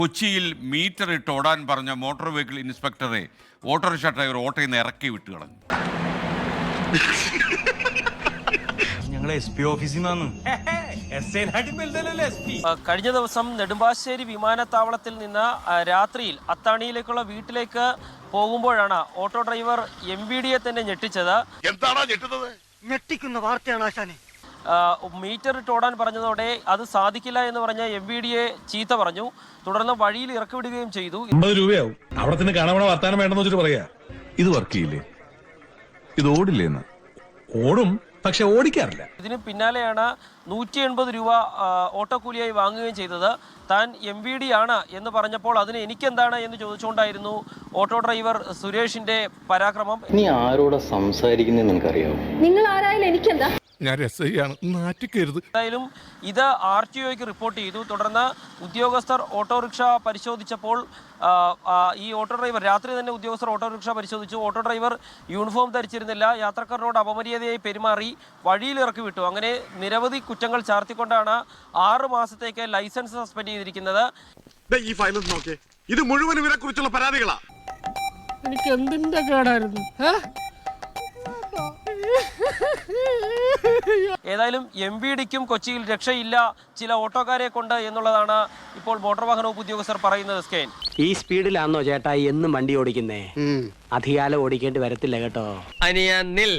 കൊച്ചിയിൽ മീറ്റർ ഇട്ട് ഓടാൻ പറഞ്ഞ മോട്ടോർ വെഹിക്കിൾ ഇൻസ്പെക്ടറെ ഓട്ടോറിക്ഷ ഡ്രൈവർ ഓട്ടോയിൽ നിന്ന് ഇറക്കി വിട്ടു കളഞ്ഞു. കഴിഞ്ഞ ദിവസം നെടുമ്പാശ്ശേരി വിമാനത്താവളത്തിൽ നിന്ന് രാത്രിയിൽ അത്താണിയിലേക്കുള്ള വീട്ടിലേക്ക് പോകുമ്പോഴാണ് ഓട്ടോ ഡ്രൈവർ MVD തന്നെ ഞെട്ടിച്ചത്. എന്താണോ ഞെട്ടുന്നത്? ഞെട്ടിക്കുന്ന വാർത്തയാണ് ആശാനെ. മീറ്റർ ഇട്ട് ഓടാൻ പറഞ്ഞതോടെ അത് സാധിക്കില്ല എന്ന് പറഞ്ഞ MVD ചീത്ത പറഞ്ഞു. തുടർന്ന് വഴിയിൽ ഇറക്കി വിടുകയും ചെയ്തു. 50 രൂപയാവും. അവിടെ തന്നെ കാണാൻ വർത്താനം വേണ്ടെന്ന് വെച്ചിട്ട് പറയാ. ഇത് വർക്ക് ചെയ്യില്ലേ? ഇത് ഓടില്ലേന്ന്? ഓടും, പക്ഷെ ഓടിക്കാറില്ല. ഇതിന് പിന്നാലെയാണ് 180 രൂപ ഓട്ടോ കൂലിയായി വാങ്ങുകയും ചെയ്തത്. താൻ MVD ആണ് എന്ന് പറഞ്ഞപ്പോൾ അതിന് എനിക്കെന്താണ് എന്ന് ചോദിച്ചുകൊണ്ടായിരുന്നു ഓട്ടോ ഡ്രൈവർ സുരേഷിന്റെ പരാക്രമം. നീ ആരോട് സംസാരിക്കുന്നതെന്ന് നിനക്കറിയാമോ? നിങ്ങൾ ആരായാലും എനിക്കെന്താ? ഞാൻ SI ആണ്, നാറ്റിക്കരുത്. എന്തായാലും ഇത് RTOയ്ക്ക് റിപ്പോർട്ട് ചെയ്തു. തുടർന്ന് ഉദ്യോഗസ്ഥർ ഓട്ടോറിക്ഷ പരിശോധിച്ചപ്പോൾ ഈ ഓട്ടോ ഡ്രൈവർ രാത്രി തന്നെ ഉദ്യോഗസ്ഥർ ഓട്ടോറിക്ഷ പരിശോധിച്ചു. ഓട്ടോ ഡ്രൈവർ യൂണിഫോം ധരിച്ചിരുന്നില്ല, യാത്രക്കാരനോട് അപമര്യാദയായി പെരുമാറി, വഴിയിൽ ഇറക്കി വിട്ടു. അങ്ങനെ നിരവധി കുറ്റങ്ങൾ ചാർത്തിക്കൊണ്ടാണ് 6 മാസത്തേക്ക് ലൈസൻസ് സസ്പെൻഡ് ചെയ്തിരിക്കുന്നത്. ഈ ഫയൽ നോക്കേ, ഇത് മുഴുവൻ ഇവരെ കുറിച്ചുള്ള പരാതികളാ. എനിക്ക് എന്തിന്റെ കേടായിരുന്നു? ഏതായാലും MVDക്കും കൊച്ചിയിൽ രക്ഷയില്ല ചില ഓട്ടോക്കാരെ കൊണ്ട് എന്നുള്ളതാണ് ഇപ്പോൾ മോട്ടോർ വാഹന വകുപ്പ് ഉദ്യോഗസ്ഥർ പറയുന്നത്. സ്കെയിൻ, ഈ സ്പീഡിലാണോ ചേട്ടാ എന്നും വണ്ടി ഓടിക്കുന്നേ? അധികാലം ഓടിക്കേണ്ടി വരത്തില്ല കേട്ടോ. അനിയനിൽ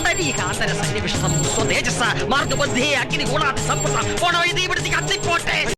പുണ്ടരീകാന്തര സന്നിവിഷ്ടം സ്വതേജസ മാർഗബുദ്ധി അഗ്നിഗുണാതി സമ്പുഷ്ട പോണ വഴി തീപിടുത്തി കത്തിപ്പോട്ടെ.